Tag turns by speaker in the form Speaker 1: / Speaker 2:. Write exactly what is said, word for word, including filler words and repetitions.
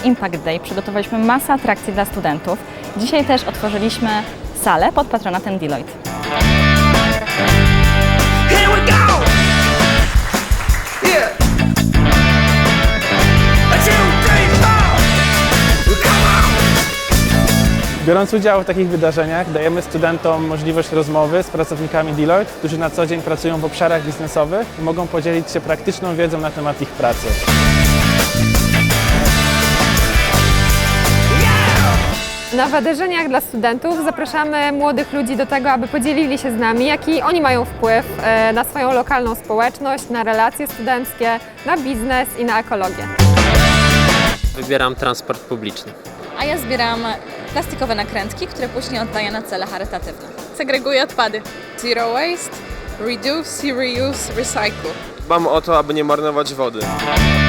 Speaker 1: Impact Day przygotowaliśmy masę atrakcji dla studentów. Dzisiaj też otworzyliśmy salę pod patronatem Deloitte.
Speaker 2: Here we go! Yeah! A two, three, four! Come on!
Speaker 3: Biorąc udział w takich wydarzeniach, dajemy studentom możliwość rozmowy z pracownikami Deloitte, którzy na co dzień pracują w obszarach biznesowych i mogą podzielić się praktyczną wiedzą na temat ich pracy.
Speaker 4: Na wydarzeniach dla studentów zapraszamy młodych ludzi do tego, aby podzielili się z nami, jaki oni mają wpływ e, na swoją lokalną społeczność, na relacje studenckie, na biznes i na ekologię.
Speaker 5: Wybieram transport publiczny.
Speaker 6: A ja zbieram plastikowe nakrętki, które później oddaję na cele charytatywne.
Speaker 7: Segreguję odpady. Zero waste, reduce, reuse, recycle.
Speaker 8: Dbam o to, aby nie marnować wody.